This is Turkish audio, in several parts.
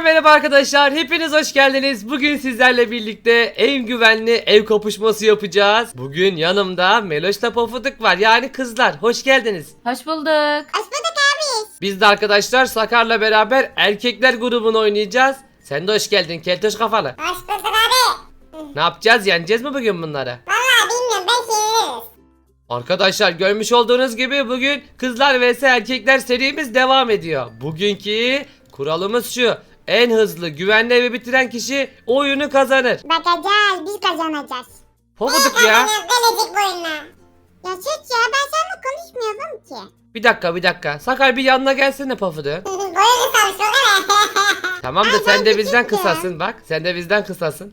Merhaba arkadaşlar, hepiniz hoş geldiniz. Bugün sizlerle birlikte en güvenli ev kapışması yapacağız. Bugün yanımda Meloş'la Pofuduk var, yani kızlar. Hoş geldiniz. Hoş bulduk. Hoş bulduk abi. Biz de arkadaşlar Sakar'la beraber erkekler grubunu oynayacağız. Sen de hoş geldin keltoş kafalı. Hoş bulduk abi. Ne yapacağız, yeneceğiz mi bugün bunları? Vallahi bilmiyorum, ben çeviririz. Arkadaşlar görmüş olduğunuz gibi bugün kızlar vs erkekler serimiz devam ediyor. Bugünkü kuralımız şu: en hızlı güvenli evi bitiren kişi oyunu kazanır. Bakacağız, biz kazanacağız. Pofuduk ya. Gelecek bu oyuna. Ya sus ya, ben seninle konuşmuyordum ki. Bir dakika. Sakar bir yanına gelsene Pofuduk. Boyu kısalmış o kadar. Tamam da Ay, sen ben de bizden küçüktüm. kısasın bak. Sen de bizden kısasın.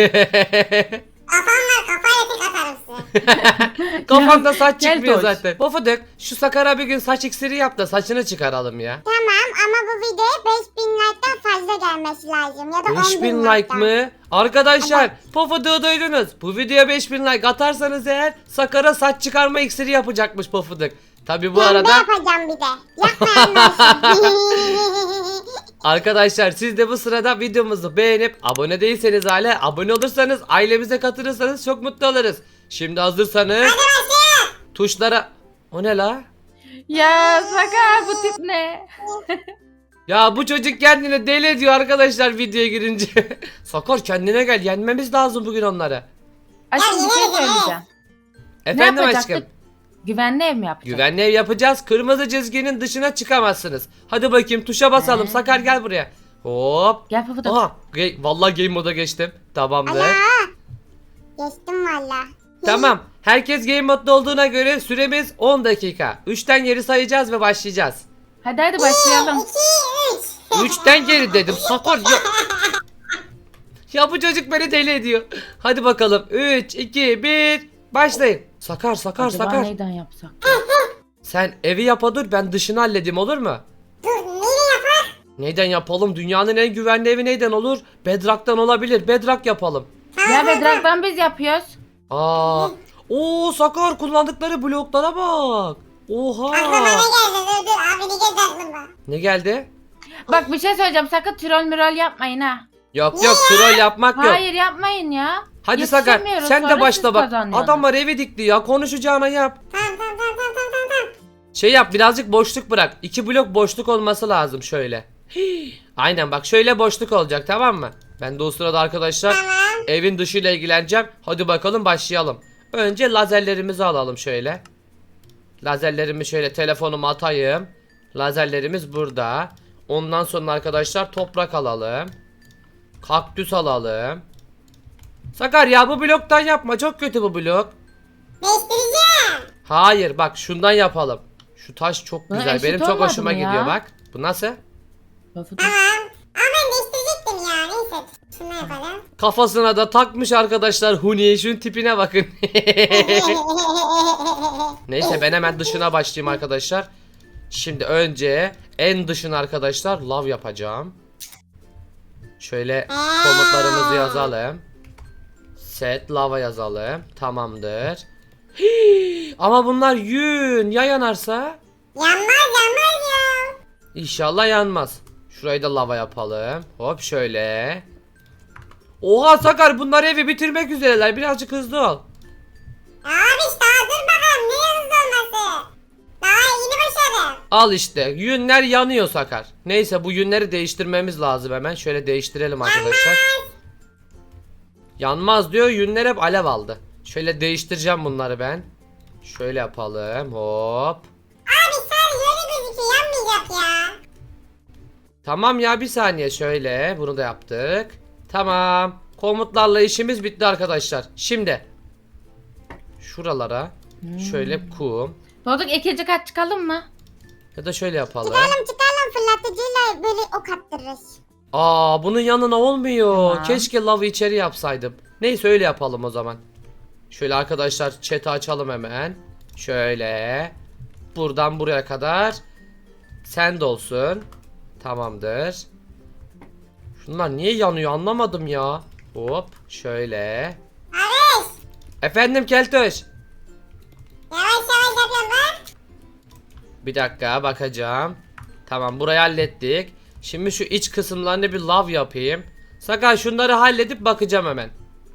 Kafam var, kafayla tek atarım size. Kafanda saç Gel çıkmıyor Toş. zaten. Pofuduk şu Sakar'a bir gün saç iksiri yap da saçını çıkaralım ya. Tamam ama bu videoya 5000 like'tan fazla gelmesi lazım. Ya da 5000 10.000 like mı? Arkadaşlar Pofuduk'u duydunuz. Bu videoya 5000 like atarsanız eğer Sakar'a saç çıkarma iksiri yapacakmış Pofuduk. Tabi bu Ben de arada yapacağım bir de. Yapmayanlar. arkadaşlar siz de bu sırada videomuzu beğenip abone değilseniz hala abone olursanız, ailemize katılırsanız çok mutlu oluruz. Şimdi hazırsanız tuşlara... O ne la? Ya Sakar, bu tip ne? Ya bu çocuk kendini deli ediyor arkadaşlar videoya girince. Sakar kendine gel, yenmemiz lazım bugün onları. Aşkım bir şey söyleyeceğim. Efendim yapacaktık? aşkım. Güvenli ev mi yapacağız? Güvenli ev yapacağız. Kırmızı çizginin dışına çıkamazsınız. Hadi bakayım tuşa basalım. He. Sakar gel buraya. Hop. Gel Pufuduk. Aha. Vallahi game moda geçtim. Tamamdır. Ana. Geçtim valla. Tamam. Herkes game modda olduğuna göre süremiz 10 dakika. 3'ten geri sayacağız ve başlayacağız. Hadi başlayalım. 2, 3. 3'ten geri dedim. Sakar ya. Ya bu çocuk beni deli ediyor. Hadi bakalım. 3, 2, 1. Başlayın. Sakar. Acaba neyden yapsak? Sen evi yapa dur, ben dışını halledeyim, olur mu? Dur, neyle yapar? Neyden yapalım? Dünyanın en güvenli evi neyden olur? Bedrock'tan olabilir. Bedrock yapalım. Ya Bedrock'tan biz yapıyoruz. Aa. Oo Sakar, kullandıkları bloklara bak. Aklıma Oha. ne geldi? Dur abi, ne geldi aklıma? Ne geldi? Bak bir şey söyleyeceğim, sakın troll mürol yapmayın ha. Yok troll yapmak yok. Hayır yapmayın ya. Hadi Sakar Yetişemiyoruz, sen de sonra başla siz bak. kazanıyorsunuz. Adamlar evi dikti ya, konuşacağına yap. Tamam. Şey yap, birazcık boşluk bırak. 2 blok boşluk olması lazım şöyle. Hii. Aynen bak, şöyle boşluk olacak, tamam mı? Ben de o sırada arkadaşlar Tamam. evin dışıyla ilgileneceğim. Hadi bakalım başlayalım. Önce lazerlerimizi alalım şöyle. Lazerlerimi şöyle telefonuma atayım. Lazerlerimiz burada. Ondan sonra arkadaşlar toprak alalım. Kaktüs alalım. Sakar ya, bu bloktan yapma, çok kötü bu blok. Değiştireceğim. Hayır bak, şundan yapalım. Şu taş çok Buna güzel, eşit benim çok olmadı hoşuma mı ya? gidiyor bak. Bu nasıl? Pufuduk. Tamam. Ama ben değiştirecektim ya. Neyse. Şunu yapalım. Kafasına da takmış arkadaşlar Huni, şunun tipine bakın. Neyse ben hemen dışına başlayayım arkadaşlar. Şimdi önce en dışına arkadaşlar lav yapacağım. Şöyle komutlarımızı yazalım. Set lava yazalım. Tamamdır. Hii, ama bunlar yün ya yanarsa? Yanmaz ya. İnşallah yanmaz. Şurayı da lava yapalım. Hop şöyle. Oha Sakar, bunlar evi bitirmek üzereler. Birazcık hızlı ol. Abi daha dur bakalım. Ne hızlı olması? Daha yeni başladım. Al işte, yünler yanıyor Sakar. Neyse bu yünleri değiştirmemiz lazım hemen. Şöyle değiştirelim arkadaşlar. Yanmaz diyor, yünler hep alev aldı. Şöyle değiştireceğim bunları ben. Şöyle yapalım, hop. Abi sadece öyle gözüküyor. Yanmayacak ya. Tamam ya, bir saniye, şöyle bunu da yaptık. Tamam, komutlarla işimiz bitti arkadaşlar. Şimdi şuralara şöyle kum Pufuduk, ikinci kat çıkalım mı? ya da şöyle yapalım. Çıkalım fırlatıcıyla böyle ok attırırız. Aa, bunun yanına olmuyor. Tamam. Keşke lavı içeri yapsaydım. Neyse öyle yapalım o zaman. Şöyle arkadaşlar chat'i açalım hemen. Şöyle. Buradan buraya kadar. Send olsun. Tamamdır. Şunlar niye yanıyor anlamadım ya. Hop şöyle. Abi Efendim Keltoş. yavaş yapıyorum bak. Bir dakika bakacağım. Tamam, burayı hallettik. Şimdi şu iç kısımlarını bir lav yapayım. Sakar şunları halledip bakacağım hemen.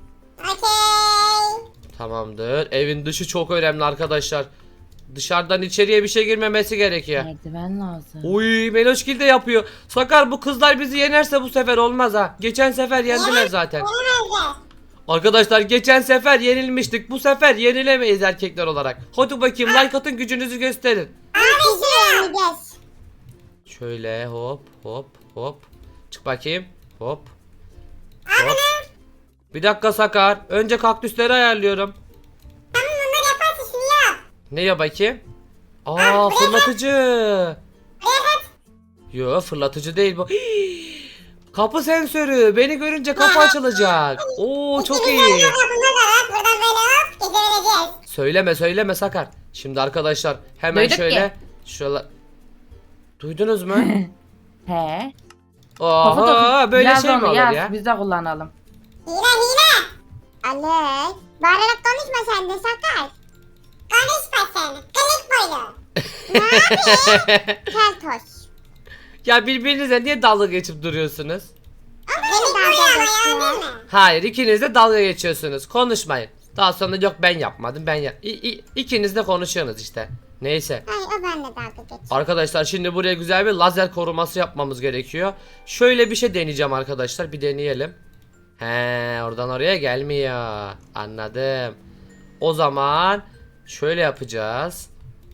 Okey. Tamamdır. Evin dışı çok önemli arkadaşlar. Dışarıdan içeriye bir şey girmemesi gerekiyor. Merdiven lazım. Uy Meloşgil de yapıyor. Sakar bu kızlar bizi yenerse bu sefer olmaz ha. Geçen sefer yendiler zaten. Yenemezler. Arkadaşlar geçen sefer yenilmiştik. Bu sefer yenilemeyiz erkekler olarak. Hadi bakayım like atın, gücünüzü gösterin. Abi şuraya gideceğiz. Şöyle hop hop hop. Çık bakayım. Hop. Abi Hop. ne? Bir dakika Sakar. Önce kaktüsleri ayarlıyorum. Tamam bunları yaparsın şunu yap. Ne ya bakayım? Aa fırlatıcı. Evet. Yo fırlatıcı değil bu. Kapı sensörü. Beni görünce kapı açılacak. Oo çok iyi. Bunları da buradan böyle hop gezebileceğiz. Söyleme Sakar. Şimdi arkadaşlar hemen Duyduk şöyle. Şöyle. Duydunuz mu? He. Oha böyle Yaz şey mi onu, olur yaz, ya? Biz de kullanalım. Hile. Alex. Bağırarak konuşma sen de Sakar. Konuşma sen. Kılık boylu. Ne yapayım? Keltoş. Ya birbirinize niye dalga geçip duruyorsunuz? Kılık boylu ama ya değil mi? Hayır ikiniz de dalga geçiyorsunuz. Konuşmayın. Daha sonra yok ben yapmadım ben yap. İkiniz de konuşuyorsunuz işte. Neyse. Hayır o benimle dalga geçiyor. Arkadaşlar şimdi buraya güzel bir lazer koruması yapmamız gerekiyor. Şöyle bir şey deneyeceğim arkadaşlar. Bir deneyelim. He, oradan oraya gelmiyor. Anladım. O zaman şöyle yapacağız.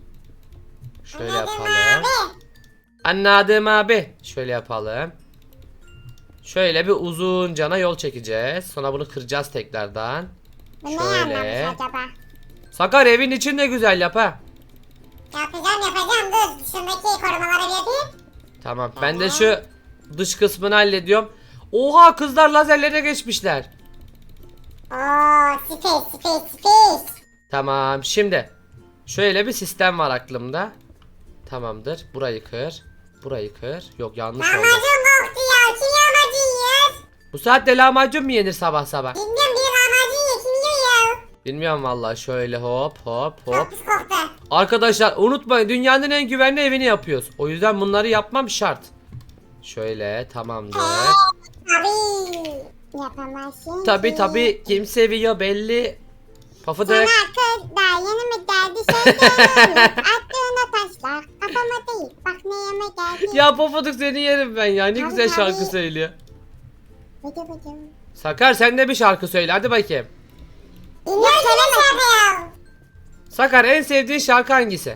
Şöyle yapalım. Abi. Anladım abi. Şöyle yapalım. Şöyle bir uzun cana yol çekeceğiz. Sonra bunu kıracağız tekrardan. Bu ne Şöyle. anlamış acaba? Sakar evin içinde güzel yap ha. Yapacağım dur. Şundaki korumaları bir yapayım. Tamam. Ben de şu dış kısmını hallediyorum. Oha kızlar lazerlere geçmişler. Oo space. Tamam. Şimdi şöyle bir sistem var aklımda. Tamamdır. Burayı kır. Burayı kır. Yok yanlış oldu. Lahmacun koktu ya. Kim lahmacun yiyor? Bu saatte lahmacun mu yenir sabah sabah? Bilmiyorum biri lahmacun yiyor. Kim yiyor ya? Bilmiyorum vallahi. Şöyle hop hop hop. Çok pis koktu. Arkadaşlar unutmayın dünyanın en güvenli evini yapıyoruz. O yüzden bunları yapmam şart. Şöyle tamamdır. Abi. Yapamazsın. Tabi kim seviyor belli. Pafıdık. Sana kız daha yeni mi geldi şey gelmiş. Attığına taşlar. Kafama değil. Bak ne yeme geldi. Ya Pafıdık seni yerim ben ya. Ne Tabii, güzel şarkı tabii. söylüyor. Bıdı bıdı. Sakar sen de bir şarkı söyle hadi bakayım. Dinliyor söyleme ya. Sakar en sevdiğin şarkı hangisi?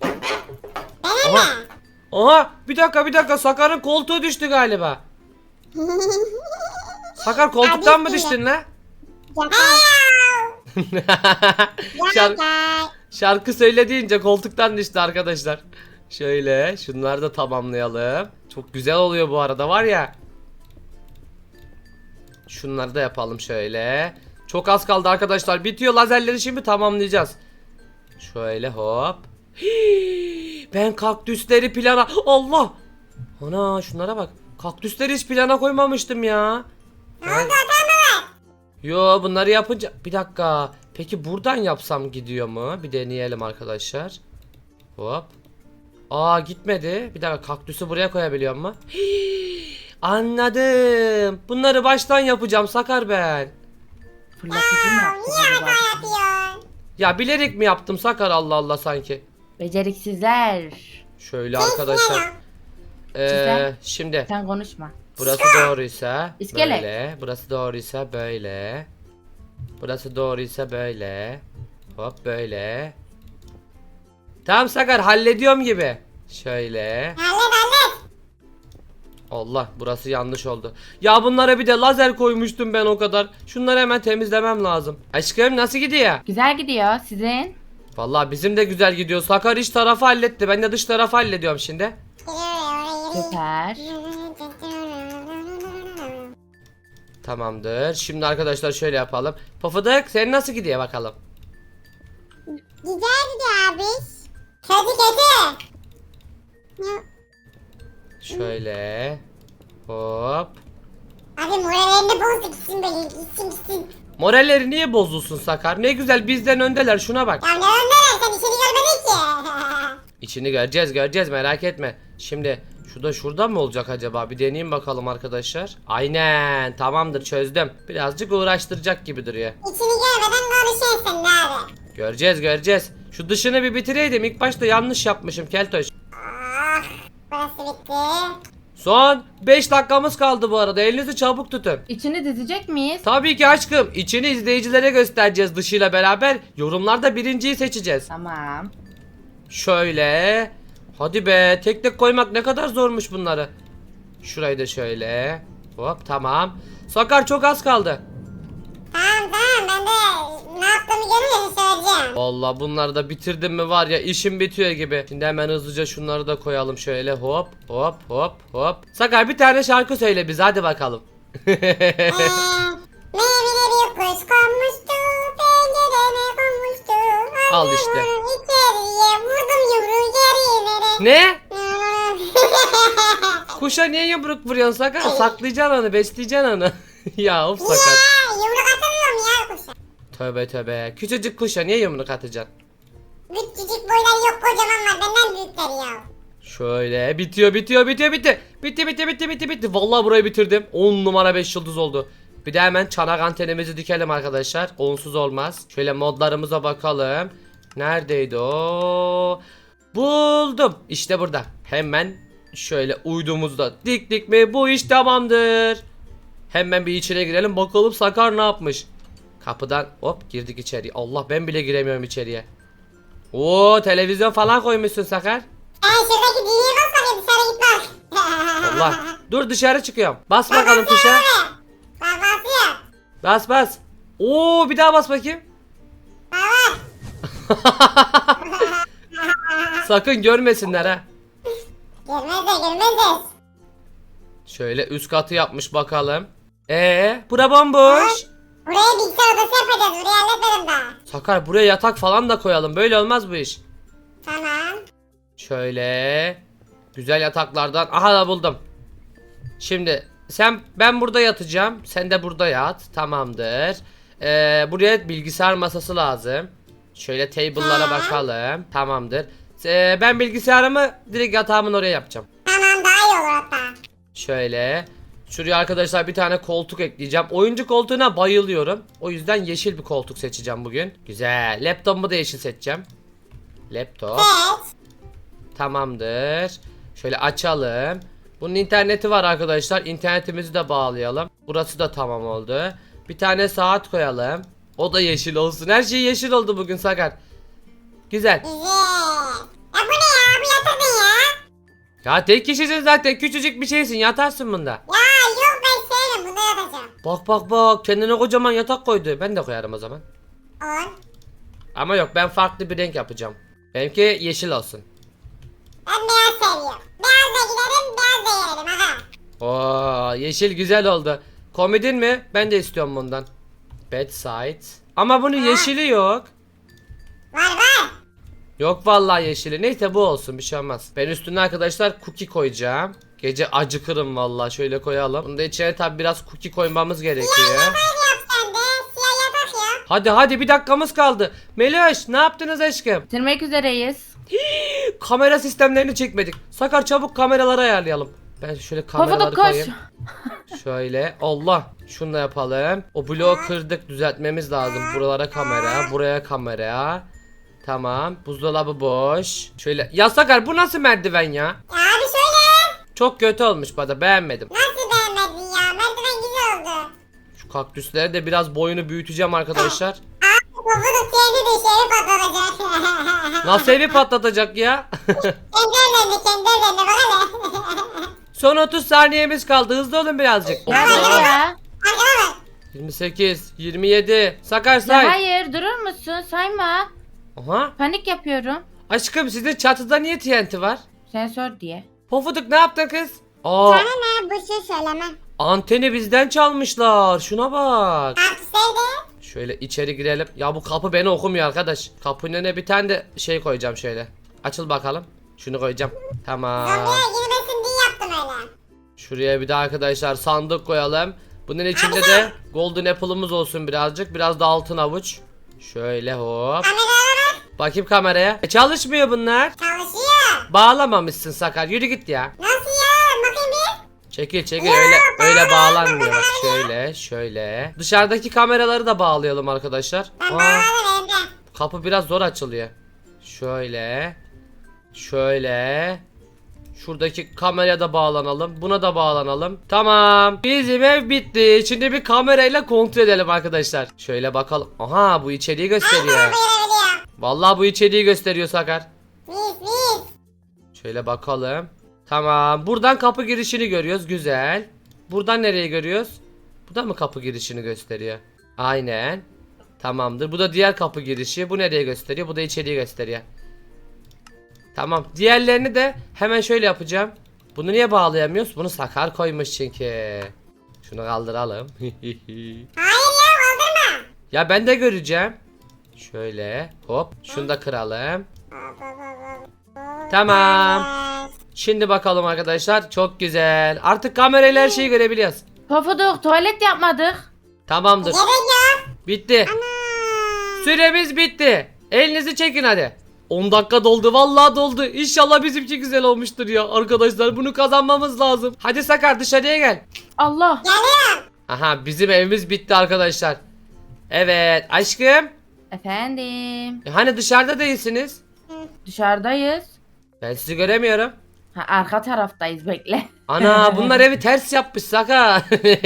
Benim Aha. mi? Aha bir dakika Sakar'ın koltuğu düştü galiba. Sakar koltuktan mı Abi, düştün lan? Şarkı. Şarkı söyle deyince koltuktan düştü arkadaşlar. Şöyle şunları da tamamlayalım. Çok güzel oluyor bu arada var ya. Şunları da yapalım şöyle. Çok az kaldı arkadaşlar. Bitiyor lazerleri şimdi tamamlayacağız. Şöyle hop. Hii, ben kaktüsleri plana... Allah! Ana şunlara bak. Kaktüsleri hiç plana koymamıştım ya. Ne oldu adam mı var? Yo bunları yapınca... Bir dakika. Peki buradan yapsam gidiyor mu? Bir deneyelim arkadaşlar. Hop. Aa gitmedi. Bir dakika kaktüsü buraya koyabiliyor mu? Hii, anladım. Bunları baştan yapacağım Sakar ben. Fırlatıcı mı yaptı Niye acaba? hata yapıyorsun? Ya bilerek mi yaptım Sakar Allah Allah sanki. Beceriksizler. Şöyle arkadaşlar. Güzel. Şimdi Sen konuşma. burası doğruysa İskelet. böyle. Burası doğruysa böyle. Burası doğruysa böyle. Hop böyle. Tamam Sakar hallediyorum gibi. Şöyle. Hallet. Allah burası yanlış oldu. Ya bunlara bir de lazer koymuştum ben o kadar. Şunları hemen temizlemem lazım. Aşkım nasıl gidiyor? Güzel gidiyor sizin. Vallahi bizim de güzel gidiyor. Sakar iç tarafı halletti. Ben de dış tarafı hallediyorum şimdi. Süper. Tamamdır. Şimdi arkadaşlar şöyle yapalım. Pofuduk senin nasıl gidiyor bakalım? Güzel gidiyor abi. Kötü. Şöyle. Hop. Abi morallerini bozdu gitsin böyle gitsin. Moralleri niye bozulsun Sakar? Ne güzel bizden öndeler şuna bak. Ya ne öndeler sen içeri görmedin ki. İçini göreceğiz merak etme. Şimdi Şu da şurada mı olacak acaba? Bir deneyeyim bakalım arkadaşlar. Aynen, tamamdır, çözdüm. Birazcık uğraştıracak gibi duruyor. İçini görmeden konuşuyorsun abi. Göreceğiz. Şu dışını bir bitireydim. İlk başta yanlış yapmışım Keltoş. Ah, burası bitti. Son 5 dakikamız kaldı bu arada. Elinizi çabuk tutun. İçini dizecek miyiz? Tabii ki aşkım. İçini izleyicilere göstereceğiz dışıyla beraber. Yorumlarda birinciyi seçeceğiz. Tamam. Şöyle. Hadi be. Tek tek koymak ne kadar zormuş bunları. Şurayı da şöyle. Hop, tamam. Sakar, çok az kaldı. Tamam ben de ne yaptığımı görünce söyleyeceğim. Vallahi bunları da bitirdim mi var ya, işim bitiyor gibi. Şimdi hemen hızlıca şunları da koyalım şöyle. Hop hop hop hop. Sakar, bir tane şarkı söyle bize, hadi bakalım. Meyveli bir kuş konmuştu, pencereme konmuştu. Al işte. Vurdum içeriye, vurdum yumruğu yerlere. Ne? Kuşa niye yumruk vuruyorsun Sakar? Saklayacaksın onu, besleyeceksin onu. Ya of Sakar. Ya yumruk atamıyorum ya kuşa. Tövbe. Küçücük kuşa niye yumruk atacaksın? Küçücük boylar yok, kocaman var, benden büyükler ya. Şöyle bitiyor. Bitti. Vallahi burayı bitirdim. 10 numara 5 yıldız oldu. Bir de hemen çanak antenimizi dikelim arkadaşlar. Onsuz olmaz. Şöyle modlarımıza bakalım. Neredeydi o? Buldum. İşte burada. Hemen şöyle uydumuzda diktik mi bu iş tamamdır. Hemen bir içine girelim bakalım Sakar ne yapmış. Kapıdan hop girdik içeriye. Allah, ben bile giremiyorum içeriye. Oo, televizyon falan koymuşsun Sakar. Şuradaki düğmeye bas bakayım, dışarı git bak. Allah. Dur, dışarı çıkıyorum. Bas bakalım tuşa. Bak basıyor. Bas. Oo, bir daha bas bakayım. Bak. Sakın görmesinler ha. Görmezler. Şöyle üst katı yapmış bakalım. Bura bomboş. Buraya bilgisayar odası yapacağız, burayı halletmedim daha. Sakar, buraya yatak falan da koyalım. Böyle olmaz bu iş. Tamam. Şöyle güzel yataklardan. Aha, da buldum. Şimdi ben burada yatacağım. Sen de burada yat. Tamamdır. Buraya bilgisayar masası lazım. Şöyle table'lara bakalım. Tamamdır. Ben bilgisayarımı direkt yatağımın oraya yapacağım. Tamam, daha iyi olur hatta. Şöyle. Şuraya arkadaşlar bir tane koltuk ekleyeceğim. Oyuncu koltuğuna bayılıyorum. O yüzden yeşil bir koltuk seçeceğim bugün. Güzel. Laptopumu da yeşil seçeceğim. Laptop. Evet. Tamamdır. Şöyle açalım. Bunun interneti var arkadaşlar. İnternetimizi de bağlayalım. Burası da tamam oldu. Bir tane saat koyalım. O da yeşil olsun. Her şey yeşil oldu bugün Sakar. Güzel. Güzel. Ya bu ne ya? Bu yatak ne ya? Ya tek kişisin zaten. Küçücük bir şeysin. Yatarsın bunda. Ya yok, ben sevmem, bunda yatacağım. Bak. Kendine kocaman yatak koydu. Ben de koyarım o zaman. Olur. Ama yok, ben farklı bir renk yapacağım. Benimki yeşil olsun. Ben beyaz seviyorum. Beyazla giderim, beyaz da yerim. Aha. Oo, yeşil güzel oldu. Komedin mi? Ben de istiyorum bundan. Bedside. Ama bunun yeşili yok. Var. Yok vallahi yeşili. Neyse, bu olsun, bir şey olmaz. Ben üstüne arkadaşlar cookie koyacağım. Gece acıkırım vallahi, şöyle koyalım. Bunun da içine tabi biraz cookie koymamız gerekiyor. Yap sen de. Siyah yatak yap. Hadi bir dakikamız kaldı. Meloş, ne yaptınız aşkım? Bitirmek üzereyiz. Kamera sistemlerini çekmedik. Sakar, çabuk kameraları ayarlayalım. Ben şöyle kameraları Pofuduk koş. koyayım. Şöyle, Allah. Şunu da yapalım. O bloğu kırdık, düzeltmemiz lazım. Buralara kamera, buraya kamera. Tamam. Buzdolabı boş. Şöyle. Ya Sakar, bu nasıl merdiven ya? Ya abi söyle. Çok kötü olmuş bana, beğenmedim. Nasıl beğenmedin ya? Merdiven güzel oldu. Şu kaktüsleri de biraz boyunu büyüteceğim arkadaşlar. Abi kovudu kendi de şeyi patlatacak. Nasıl evi patlatacak ya? Kendi ellerine bak hele. Son 30 saniyemiz kaldı. Hızlı olun birazcık. Nerede ya? Arkana bak. 28, 27. Sakar Ya say. hayır, durur musun? Sayma. Aha. Panik yapıyorum. Aşkım, sizin çatıda niye TNT var? Sensör diye. Pofuduk, ne yaptın kız? Aa, Sana ne? Bu şey söyleme. anteni bizden çalmışlar. Şuna bak. Hapisteydi. Şöyle içeri girelim. Ya bu kapı beni okumuyor arkadaş. Kapının önüne bir tane de şey koyacağım şöyle. Açıl bakalım. Şunu koyacağım. Tamam. Zombiye girmesin diye yaptım öyle. Şuraya bir de arkadaşlar sandık koyalım. Bunun içinde de golden apple'ımız olsun birazcık. Biraz da altın avuç. Şöyle hop. Kameralara bak. Bakayım kameraya. Çalışmıyor bunlar. Çalışıyor. Bağlamamışsın Sakar. Yürü git ya. Nasıl ya? Çekil çekil, öyle bağlanmıyor. Bak şöyle. Dışarıdaki kameraları da bağlayalım arkadaşlar. Ben Aa, bağladım evde. kapı biraz zor açılıyor. Şöyle. Şuradaki kameraya da bağlanalım. Buna da bağlanalım. Tamam. Bizim ev bitti. Şimdi bir kamerayla kontrol edelim arkadaşlar. Şöyle bakalım. Aha, bu içeriği gösteriyor. Görebiliyorum. Vallahi bu içeriği gösteriyor Sakar. Mis. Şöyle bakalım. Tamam. Buradan kapı girişini görüyoruz. Güzel. Buradan nereyi görüyoruz? Bu da mı kapı girişini gösteriyor? Aynen. Tamamdır. Bu da diğer kapı girişi. Bu nereye gösteriyor? Bu da içeriği gösteriyor. Tamam. Diğerlerini de hemen şöyle yapacağım. Bunu niye bağlayamıyoruz? Bunu Sakar koymuş çünkü. Şunu kaldıralım. Hayır ya kaldırma. Ya ben de göreceğim. Şöyle. Hop. Şunu da kıralım. Tamam. Şimdi bakalım arkadaşlar. Çok güzel. Artık kamerayla her şeyi görebiliyoruz. Pofuduk tuvalet yapmadık. Tamamdır. Gerek yok. Bitti. Ana. Süremiz bitti. Elinizi çekin hadi. 10 dakika doldu. Vallahi doldu. İnşallah bizimki güzel olmuştur ya. Arkadaşlar bunu kazanmamız lazım. Hadi Sakar, dışarıya gel. Allah. Geliyorum. Aha, bizim evimiz bitti arkadaşlar. Evet aşkım. Efendim. Hani dışarıda değilsiniz? Dışarıdayız. Ben sizi göremiyorum. Ha, arka taraftayız, bekle. Ana, bunlar evi ters yapmış Sakar.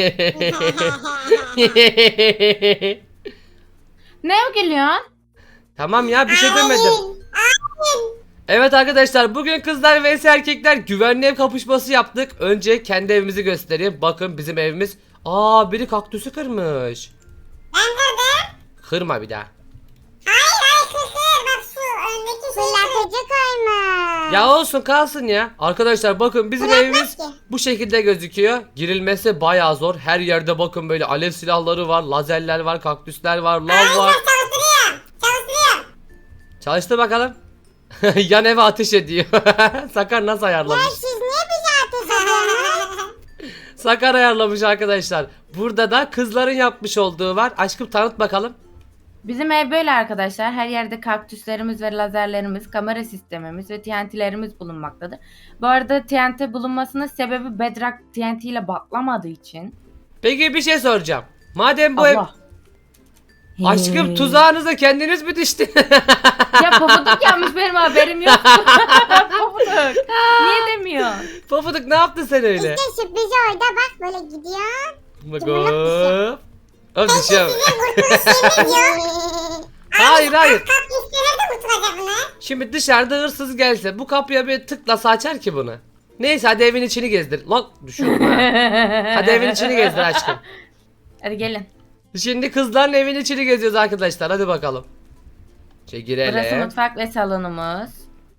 Ne gülüyorsun? Tamam ya, bir şey demedim. Hayır. Evet arkadaşlar, bugün kızlar vs erkekler güvenli ev kapışması yaptık. Önce kendi evimizi göstereyim. Bakın bizim evimiz. Aa, biri kaktüsü kırmış. Ben kırdım. Kırma bir daha. Hayır kısır. Bak şu öndeki şey. Fırlatıcı koyma. Ya olsun, kalsın ya. Arkadaşlar bakın bizim evimiz bu şekilde gözüküyor. Girilmesi bayağı zor. Her yerde bakın böyle alev silahları var, lazerler var, kaktüsler var, lav var. Çalıştırıyorum. Çalıştır bakalım. Yan eve ateş ediyor. Sakar nasıl ayarlamış? Siz niye bize ateş ediyorsunuz? Sakar ayarlamış arkadaşlar. Burada da kızların yapmış olduğu var. Aşkım tanıt bakalım. Bizim ev böyle arkadaşlar. Her yerde kaktüslerimiz ve lazerlerimiz, kamera sistemimiz ve TNT'lerimiz bulunmaktadır. Bu arada TNT bulunmasının sebebi Bedrock TNT ile patlamadığı için. Peki bir şey soracağım. Madem bu ev... Allah. Aşkım, tuzağınıza kendiniz mi düştün? Ya pofuduk yapmış, benim haberim yok. Pofuduk. Niye demiyorsun? Pofuduk ne yaptın sen öyle? İşte sürpriz orada bak böyle gidiyor. Bak hop. Hop düşüyorum. Kurtuluş yok. Hayır. Kaktüsleri de kurtulacak bunlar. Şimdi dışarıda hırsız gelse bu kapıya bir tıklasa açar ki bunu. Neyse, hadi evin içini gezdir. Lan düşüyorum ha. Hadi evin içini gezdir aşkım. Hadi gelin. Şimdi kızların evin içini geziyoruz arkadaşlar. Hadi bakalım. Burası Girelim. mutfak ve salonumuz.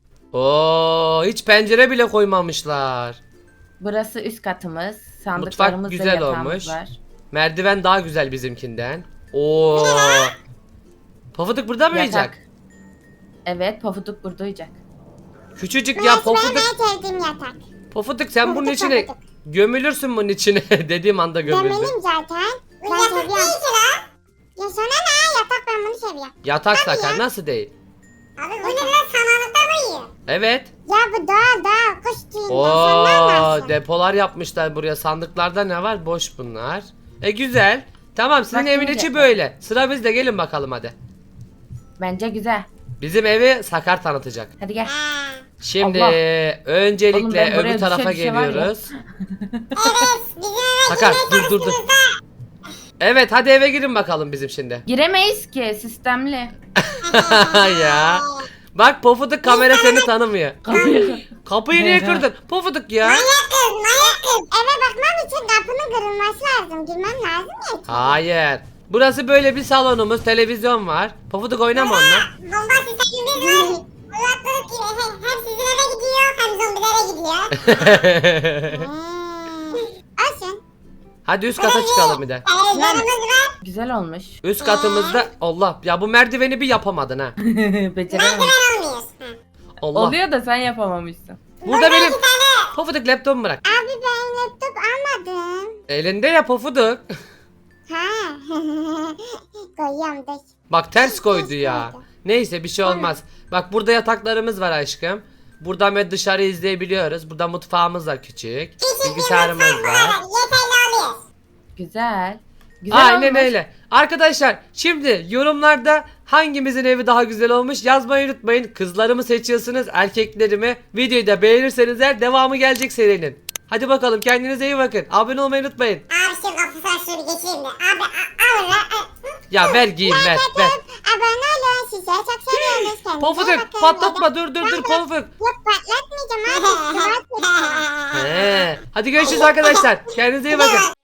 Oo, hiç pencere bile koymamışlar. Burası üst katımız. Sandıklarımız ve güzel yatağımız olmuş. var. Merdiven daha güzel bizimkinden. Oo. Pofuduk burada mı Yatak. uyuyacak? Evet, pofuduk burada uyuyacak. Küçücük ya Burası benim Pofuduk. en sevdiğim yatak. Pofuduk sen bunun Pofuduk, içine Pofuduk. gömülürsün bunun içine. Dediğim anda gömüldün. Gömelim zaten. Ben seviyorum. Ya sana ne? Yatak ben bunu seviyorum. Yatak Sakar nasıl değil? Abi bu ne lan samanlıkta mı yiyor? Evet. Ya bu doğal kuş tüyünden sen ne Oo, anlarsın? depolar yapmışlar buraya. Sandıklarda ne var? Boş bunlar. Güzel. Tamam, sizin Bak evin şimdi. içi böyle. Sıra bizde, gelin bakalım hadi. Bence güzel. Bizim evi Sakar tanıtacak. Hadi gel. Ha. Şimdi Allah. Oğlum öncelikle ben buraya öbür tarafa düşe var ya. geliyoruz. Evet bizim eve Sakar girmeye dur. çalıştığınızda Evet, hadi eve girin bakalım bizim şimdi. Giremeyiz ki, sistemli. Ya. Bak Pofuduk, kamera seni tanımıyor. Kapıyı. Kapıyı niye kırdın? Pofuduk ya. manyak kız. Eve bakmam için kapının kırılması lazım. Girmem lazım ya. Hayır. Burası böyle bir salonumuz, televizyon var. Pofuduk oynama onunla. Bomba sistemimiz var. Kulaklık gibi hem sizin eve gidiyor hem zombilere gidiyor. Olsun. Hadi üst kata çıkalım bir de. Televizyonumuz var. Güzel olmuş. Üst katımızda Allah ya, bu merdiveni bir yapamadın ha. Becerememiş. Merdiven olmuyor. Ha. Allah. Oluyor da sen yapamamışsın. Burada benim İki tane. Pofuduk laptopumu bırak. Abi ben laptop almadım. Elinde ya Pofuduk. Ha. Koyuyorum dur. Bak ters koydu ya. Neyse, bir şey olmaz. Bak burada yataklarımız var aşkım. Buradan ve dışarı izleyebiliyoruz. Burada mutfağımız da küçük. Küçük bir Bilgisayarımız mutfak bu var. kadar. Yeterli oluyor. Güzel. Güzel Aynen olmuş. öyle. Arkadaşlar şimdi yorumlarda hangimizin evi daha güzel olmuş yazmayı unutmayın. Kızlarımı seçiyorsunuz, erkeklerimi. Videoyu da beğenirseniz eğer devamı gelecek serinin. Hadi bakalım, kendinize iyi bakın. Abone olmayı unutmayın. Abi şu kafasına şunu geçireyim de. Abi alın lan. Ya ver giyeyim, ver. Abone olun. Sizi çok seviyoruz. Kendinize Pofuduk bakın. patlatma, dur Pofuduk. Yok patlatmayacağım abi. Hadi görüşürüz arkadaşlar. Kendinize iyi bakın.